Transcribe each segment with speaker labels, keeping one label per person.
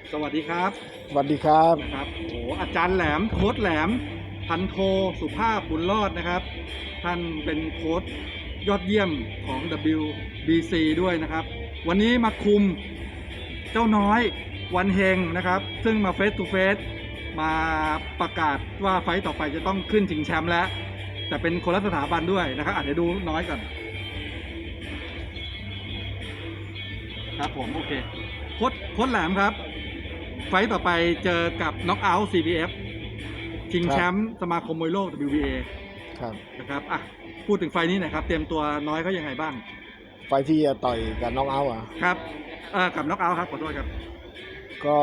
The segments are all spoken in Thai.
Speaker 1: สวัสดีครับ
Speaker 2: สวัสดีครับ
Speaker 1: นะครับโอ้อาจารย์แหลมโค้ชแหลมพันโทสุภาพบุญรอดนะครับท่านเป็นโค้ชยอดเยี่ยมของ WBC ด้วยนะครับวันนี้มาคุมเจ้าน้อยวันเฮงนะครับซึ่งมาเฟสทูเฟสมาประกาศว่าไฟต์ต่อไปจะต้องขึ้นชิงแชมป์แล้วแต่เป็นคนละสถาบันด้วยนะครับเดี๋ยวดูน้อยก่อนครับผมโอเคโค้ชแหลมครับไฟต์ต่อไปเจอกับน็อกเอาท์ CPF ชิงแชมป์สมาคมมวยโลก WBA
Speaker 2: ครับ
Speaker 1: นะครับอ่ะพูดถึงไฟต์นี้หน่อยครับเตรียมตัวน้อยเขายังไงบ้าง
Speaker 2: ไฟที่จะต่อยกับน้องเอาท์อ่ะ
Speaker 1: ครับกับน็อกเอาท์ครับขอโทษครับ
Speaker 2: ก็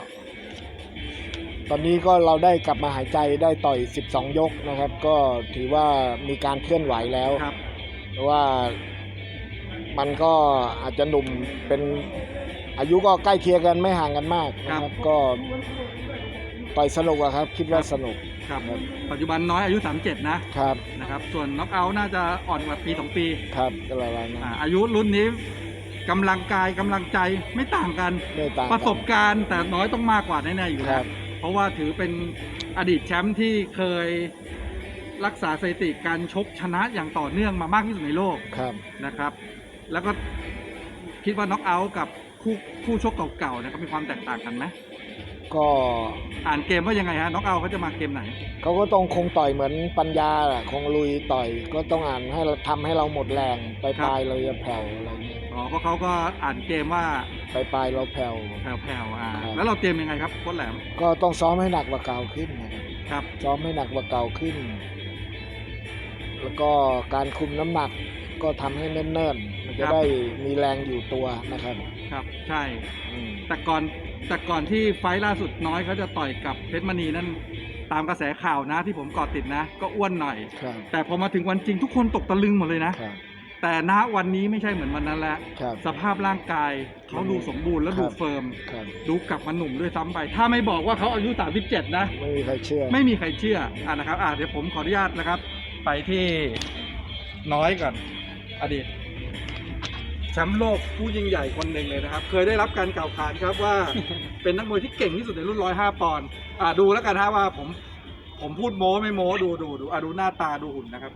Speaker 2: ตอนนี้ก็เราได้กลับมาหายใจได้ต่อย12 ยกนะครับก็ถือว่ามีการเคลื่อนไหวแล้ว
Speaker 1: ครับ
Speaker 2: เพราะว่ามันก็อาจจะหนุ่มเป็นอายุก็ใกล้เคียงกันไม่ห่างกันมากนะครับก็ต่อยสนุกอะครับคิดว่าสนุก
Speaker 1: ครับปัจจุบันน้อยอายุ 37 นะครับส่วนน็อกเอาท์น่าจะอ่อนกว่าปี 2 ปี
Speaker 2: ครับก็ประมาณนั้น
Speaker 1: อายุรุ่นนี้กำลังกายกำลังใจไม่ต่างกันประสบการณ์แต่น้อยต้องมากกว่าแน่ๆอยู่แล้วเพราะว่าถือเป็นอดีตแชมป์ที่เคยรักษาสถิติการชกชนะอย่างต่อเนื่องมามากที่สุดในโลกนะครับแล้วก็คิดว่าน็อกเอาท์กับคู่ชกเก่าๆนะครับมีความแตกต่างกันไหม
Speaker 2: ก็
Speaker 1: อ่านเกมว่ายังไงฮะน็อกเอาท์เขาจะมาเกมไหน
Speaker 2: เขาก็ต้องคงต่อยเหมือนปัญญาแหละคงลุยต่อยก็ต้องอ่านให้เราทำให้เราหมดแรงปลายเราจะแผ่วอะไรอย่างเงี้ย
Speaker 1: เพราะเขาก็อ่านเกมว่า
Speaker 2: ปลายเราแผ่ว
Speaker 1: แล้วเราเตรียมยังไงครับโค้ชแหลม
Speaker 2: ก็ต้องซ้อมให้หนักกว่าเก่าขึ้น
Speaker 1: นะครับ
Speaker 2: ซ้อมให้หนักกว่าเก่าขึ้นแล้วก็การคุมน้ำหนักก็ทำให้เนิ่นๆมันจะได้มีแรงอยู่ตัวนะครับ
Speaker 1: ครับใช่แต่ก่อนที่ไฟล์ล่าสุดน้อยเขาจะต่อยกับเพชรมณีนั่นตามกระแสข่าวนะที่ผมกอดติดนะก็อ้วนหน่อยแต่พอมาถึงวันจริงทุกคนตกตะลึงหมดเลยนะแต่ณวันนี้ไม่ใช่เหมือนวันนั้นแล้วสภาพร่างกายเขาดูสมบูรณ์และดูเฟิร์มดูกลับมาหนุ่มด้วยซ้ำไปถ้าไม่บอกว่าเขาอายุ37นะ
Speaker 2: ไม่มีใครเชื่อ
Speaker 1: นะครับเดี๋ยวผมขออนุญาตนะครับไปที่น้อยก่อนอดีตแชมป์โลกผู้ยิ่งใหญ่คนหนึ่งเลยนะครับเคยได้รับการกล่าวขานครับว่าเป็นนักมวยที่เก่งที่สุดในรุ่น105 ปอนด์ดูแล้วกันฮะว่าผมพูดโม้ไม่โม้ดูดูหน้าตาดูหุ่นนะครับ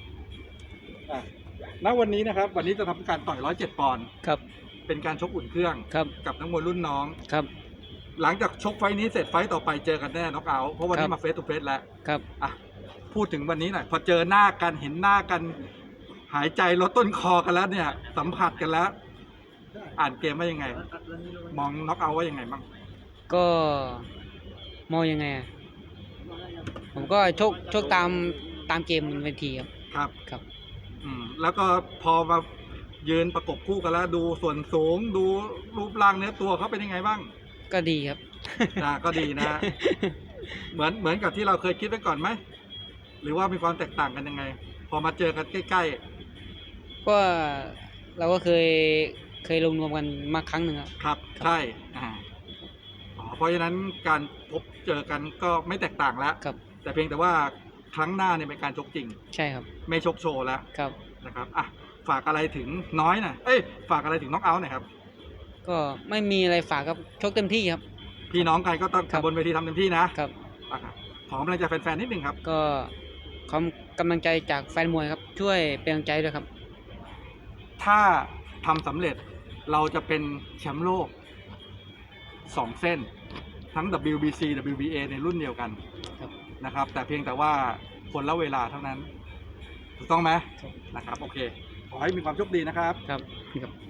Speaker 1: ณวันนี้นะครับวันนี้จะทำการต่อย107 ปอนด์
Speaker 2: ครับ
Speaker 1: เป็นการชกอุ่นเครื่องกับนักมวยรุ่นน้อง
Speaker 2: ครับ
Speaker 1: หลังจากชกไฟนี้เสร็จไฟต่อไปเจอกันแน่น็อกเอาท์เพราะวันนี้มาเฟสทูเฟสแล้ว
Speaker 2: ครับ
Speaker 1: พูดถึงวันนี้หน่อยพอเจอหน้ากันเห็นหน้ากันหายใจลดต้นคอกันแล้วเนี่ยสัมผัสกันแล้วอ่านเกมว่ายังไงมองน็อกเอาท์ว่ายังไงบ้าง
Speaker 2: ก็มองยังไงผมก็ชกตามเกมบนเวทีครับ
Speaker 1: แล้วก็พอมายืนประกบคู่กันแล้วดูส่วนสูงดูรูปร่างเนื้อตัวเขาเป็นยังไงบ้าง
Speaker 2: ก็ดีครับ
Speaker 1: ก็ดีนะเหมือนกับที่เราเคยคิดไว้ก่อนไหมหรือว่ามีความแตกต่างกันยังไงพอมาเจอกันใกล้
Speaker 2: ๆก็เราก็เคยลงรวมกันมาครั้งหนึ่ง
Speaker 1: ครับใช่เพราะฉะนั้นการพบเจอกันก็ไม่แตกต่างแล้วแต่เพียงแต่ว่าครั้งหน้าเนี่ยเป็นการชกจริง
Speaker 2: ใช่ครับ
Speaker 1: ไม่ชกโชว์แล้วนะครับฝากอะไรถึงน้อยหน่อยฝากอะไรถึงน็อกเอาท์หน่อยครับ
Speaker 2: ก็ไม่มีอะไรฝากครับชกเต็มที่ครับ
Speaker 1: พี่น้องกันก็ต้องบนเวทีทำเต็มที่นะครับขอกำลังใจแฟนๆนิดนึงครับ
Speaker 2: ก็กำลังใจจากแฟนมวยครับช่วยเป็นกำลังใจด้วยครับ
Speaker 1: ถ้าทำสำเร็จเราจะเป็นแชมป์โลก2 เส้นทั้ง WBC WBA ในรุ่นเดียวกันนะครับแต่เพียงแต่ว่าคนละเวลาเท่านั้นถูกต้องไหมนะครับโอเคขอให้มีความโชคดีนะครับ
Speaker 2: ครับ